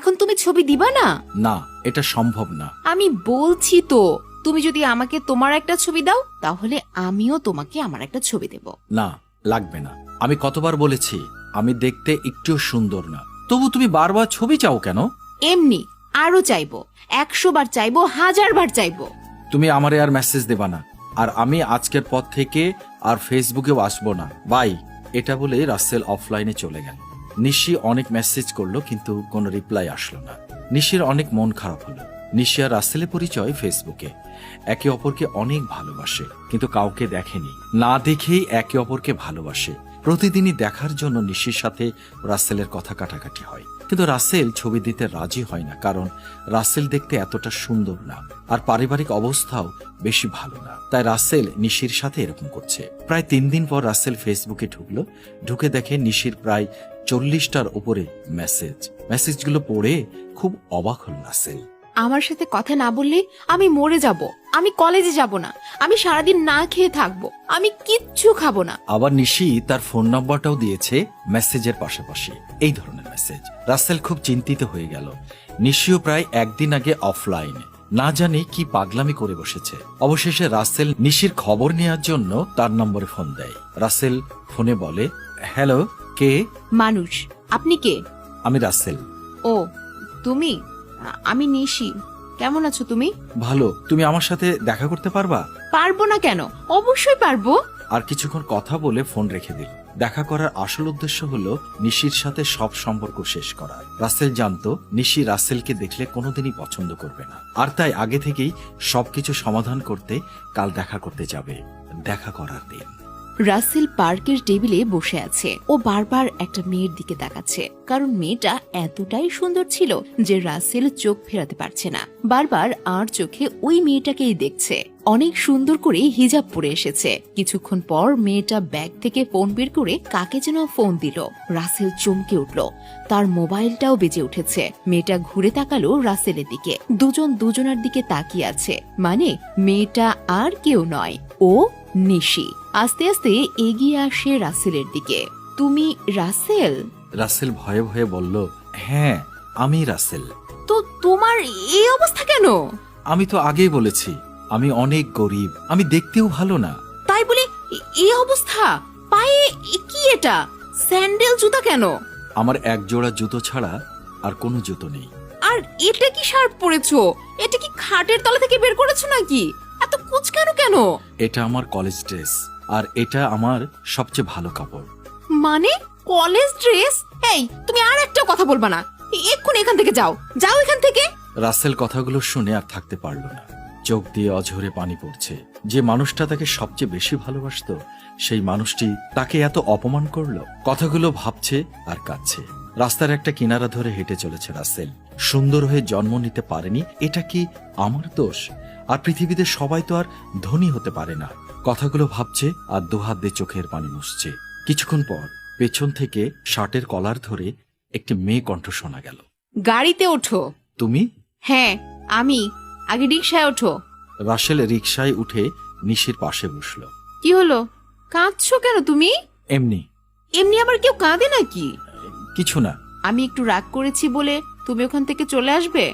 এখন তুমি ছবি দিবা না? না, এটা সম্ভব না। আমি বলছি তো, তুমি যদি আমাকে তোমার একটা ছবি দাও তাহলে আমিও তোমাকে আমার একটা ছবি দেব। না, লাগবে না। আমি কতবার বলেছি আমি দেখতে একটু সুন্দর না, তবু তুমি বারবার ছবি চাও কেন? এমনি আরো চাইবো, 100 বার চাইবো, 1000 বার চাইবো। তুমি আমারে আর মেসেজ দেবা না, আর আমি আজকের পর থেকে আর ফেসবুকেও আসবো না, বাই। এটা বলে রাসেল অফলাইনে চলে গেল। নিশি অনেক মেসেজ করলো কিন্তু কোনো রিপ্লাই আসলো না। নিশির অনেক মন খারাপ হলো। নিশি আর রাসেলের পরিচয় ফেসবুকে। একে অপরকে অনেক ভালোবাসে, কিন্তু কাউকে দেখেনি, না দেখেই একে অপরকে ভালোবাসে। প্রতিদিনই দেখার জন্য নিশির সাথে রাসেলের কথা কাটাকাটি হয়, কিন্তু রাসেল ছবি দিতে রাজি হয় না, কারণ রাসেল দেখতে এতটা সুন্দর না, আর পারিবারিক অবস্থাও বেশি ভালো না। তাই রাসেল নিশির সাথে এরকম করছে। প্রায় 3 দিন পর রাসেল ফেসবুকে ঢুকলো। ঢুকে দেখে নিশির প্রায় 40টার উপরে মেসেজগুলো পড়ে খুব অবাক হল রাসেল। আমার সাথে কথা না বললে আমি মরে যাব, আমি কলেজে যাব না, আমি সারাদিন না খেয়ে থাকবো, আমি কিচ্ছু খাবো না। আবার নিশি তার ফোন নাম্বারটাও দিয়েছে মেসেজের পাশাপাশি এই ধরনের মেসেজ। রাসেল খুব চিন্তিত হয়ে গেল। নিশিও প্রায় 1 দিন আগে অফলাইনে, না জানি কি পাগলামি করে বসেছে। অবশেষে রাসেল নিশির খবর নেওয়ার জন্য তার নম্বরে ফোন দেয়। রাসেল ফোনে বলে, হ্যালো, কে? মানুষ, আপনি কে? আমি রাসেল। ও তুমি? আমি নিশি। কেমন আছো তুমি? ভালো। তুমি আমার সাথে দেখা করতে পারবা? পারবো না কেন, অবশ্যই পারবো। আর কিছুক্ষণ কথা বলে ফোন রেখে দিল। দেখা করার আসল উদ্দেশ্য হলো নিশির সাথে সব সম্পর্ক শেষ করা। রাসেল জানতো নিশি রাসেলকে দেখলে কোনোদিনই পছন্দ করবে না, আর তাই আগে থেকেই সবকিছু সমাধান করতে কাল দেখা করতে যাবে। দেখা করার দিন। রাসেল পার্কের টেবিলে বসে আছে। ও বারবার একটা মেয়ের দিকে তাকাচ্ছে, কারণ মেয়েটা এতটাই সুন্দর ছিল যে রাসেল চোখ ফেরাতে পারছে না। বারবার আর চোখে ওই মেয়েটাকেই দেখছে। অনেক সুন্দর করে হিজাব পরে এসেছে। কিছুক্ষণ পর মেয়েটা ব্যাগ থেকে ফোন বের করে কাকে যেন ফোন দিল। রাসেল চমকে উঠল, তার মোবাইলটাও বেজে উঠেছে। মেয়েটা ঘুরে তাকালো রাসেলের দিকে। দুজন দুজনের দিকে তাকিয়ে আছে, মানে মেয়েটা আর কেউ নয়, ও নিশি। আস্তে আস্তে এগিয়ে আসে রাসেলের দিকে। তুমি রাসেল? রাসেল ভয়ে ভয়ে বলল, হ্যাঁ আমি রাসেল। তো তোমার এই অবস্থা কেন? আমি তো আগেই বলেছি আমি অনেক গরিব, আমি দেখতেও ভালো না। তাই বলে এই অবস্থা? পায়ে কি এটা? স্যান্ডেল জুতা কেন? আমার এক জোড়া জুতো ছাড়া আর কোনো জুতো নেই। আর এটা কি শার্ট পরেছো? এটা কি খাটের তলা থেকে বের করেছো নাকি? এত কুচকানো কেন? এটা আমার কলেজ ড্রেস, আর এটা আমার সবচেয়ে ভালো কাপড়। মানে কলেজ ড্রেস? এই তুমি আর একটা কথা বলবা না, এক্ষুনি এখান থেকে যাও, যাও এখান থেকে। রাসেল কথাগুলো শুনে আর থাকতে পারল না। চোখ দিয়ে অঝরে পানি পড়ছে। যে মানুষটা তাকে সবচেয়ে বেশি ভালোবাসতো, সেই মানুষটি তাকে এত অপমান করলো। কথাগুলো ভাবছে আর কাঁদছে। রাস্তার একটা কিনারা ধরে হেঁটে চলেছে রাসেল। সুন্দর হয়ে জন্ম নিতে পারেনি, এটা কি আমার দোষ? আর পৃথিবীতে সবাই তো আর ধনী হতে পারে না। কথাগুলো ভাবছে আর দুহাত দিয়ে চোখের পানি মুছছে। কিছুক্ষণ পর পেছন থেকে শার্টের কলার ধরে একটি মেয়ে কণ্ঠ শোনা গেল। গাড়িতে ওঠো। তুমি? হ্যাঁ আমি। আগে রিকশায় ওঠো। রাসেল রিকশায় উঠে নিশির পাশে বসলো। কি হলো, কাঁদছো কেন তুমি? এমনি। এমনি আবার কেউ কাঁদে নাকি? কিছু না। আমি একটু রাগ করেছি বলে তুমি ওখান থেকে চলে আসবে?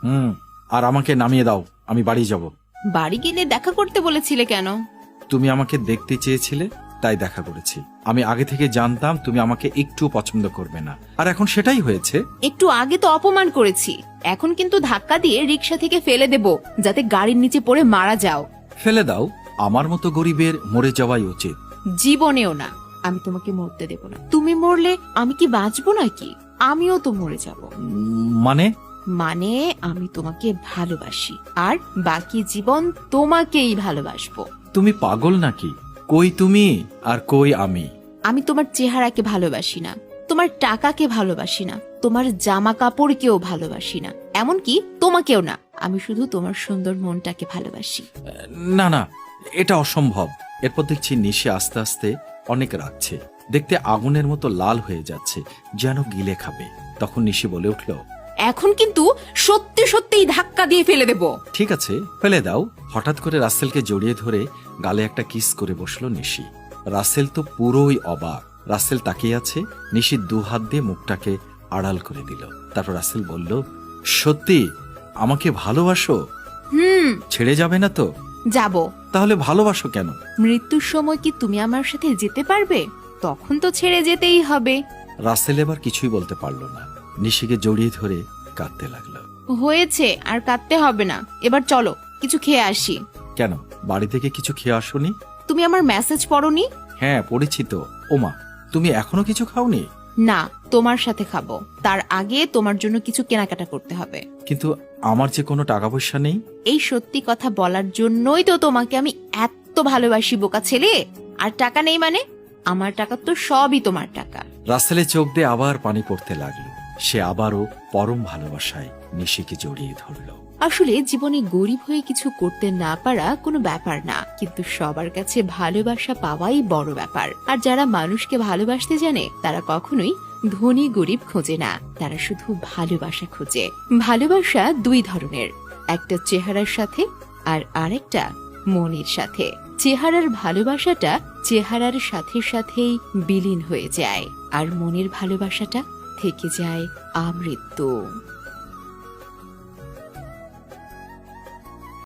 আর আমাকে নামিয়ে দাও, আমি বাড়ি যাব। বাড়ি গেলে দেখা করতে বলেছিলে কেন? তুমি আমাকে দেখতে চেয়েছিলে, তাই দেখা করেছি। আমি আগে থেকে জানতাম তুমি আমাকে একটু পছন্দ করবে না, আর এখন সেটাই হয়েছে। একটু আগে তো অপমান করেছি, এখন কিন্তু ধাক্কা দিয়ে রিকশা থেকে ফেলে দেব, যাতে গাড়ির নিচে পড়ে মারা যাও। ফেলে দাও, আমার মতো গরিবের মরে যাওয়াই উচিত। জীবনেও না, আমি তোমাকে মরতে দেব না। তুমি মরলে আমি কি বাঁচবো নাকি? আমিও তো মরে যাব। মানে? মানে আমি তোমাকে ভালোবাসি, আর বাকি জীবন তোমাকেই ভালোবাসবো। তুমি পাগল নাকি? কই তুমি আর কই আমি? আমি তোমার চেহারাকে ভালোবাসি না, তোমার টাকাকে ভালোবাসি না, তোমার জামা কাপড়কেও ভালোবাসি না, এমনকি তোমাকেও না। আমি শুধু তোমার সুন্দর মনটাকে ভালোবাসি। না না, এটা অসম্ভব। এরপর দেখছি নিশি আস্তে আস্তে অনেক রাগছে। দেখতে আগুনের মতো লাল হয়ে যাচ্ছে, যেন গিলে খাবে। তখন নিশি বলে উঠল, এখন কিন্তু সত্যি সত্যিই ধাক্কা দিয়ে ফেলে দেব। ঠিক আছে, ফেলে দাও। হঠাৎ করে রাসেলকে জড়িয়ে ধরে গালে একটা কিস করে বসলো নিশি। রাসেল তো পুরোই অবাক। রাসেল তাকিয়ে আছে, নিশি 2 হাত দিয়ে মুখটাকে আড়াল করে দিল। তারপর রাসেল বলল, সত্যি আমাকে ভালোবাসো? ছেড়ে যাবে না তো? যাব। তাহলে ভালোবাসো কেন? মৃত্যুর সময় কি তুমি আমার সাথে যেতে পারবে? তখন তো ছেড়ে যেতেই হবে। রাসেল এবার কিছুই বলতে পারল না, নিশিকে জড়িয়ে ধরে কাঁদতে লাগলো। হয়েছে, আর কাঁদতে হবে না, এবার চলো কিছু খেয়ে আসি। কেন, বাড়ি থেকে কিছু খেয়ে আসোনি? তুমি আমার মেসেজ পড়োনি? হ্যাঁ পড়েছি তো। ওমা, তুমি এখনো কিছু খাওনি? না, তোমার সাথে খাবো, তার আগে তোমার জন্য কিছু কেনাকাটা করতে হবে। কিন্তু আমার যে কোনো টাকা পয়সা নেই। এই সত্যি কথা বলার জন্যই তো তোমাকে আমি এত ভালোবাসি, বোকা ছেলে। আর টাকা নেই মানে? আমার টাকা তো সবই তোমার টাকা। রাসেলের চোখ দিয়ে আবার পানি পড়তে লাগলো। সে আবারও পরম ভালোবাসায় নিশিকে জড়িয়ে ধরল। আসলে জীবনে গরিব হয়ে কিছু করতে না পারা কোনো ব্যাপার না, কিন্তু সবার কাছে ভালোবাসা পাওয়াই বড় ব্যাপার। আর যারা মানুষকে ভালোবাসতে জানে তারা কখনোই ধনী গরিব খোঁজে না, তারা শুধু ভালোবাসা খোঁজে। ভালোবাসা দুই ধরনের, একটা চেহারার সাথে আর আরেকটা মনের সাথে। চেহারার ভালোবাসাটা চেহারার সাথে সাথেই বিলীন হয়ে যায়, আর মনের ভালোবাসাটা থেকে যায় আমৃত্যু।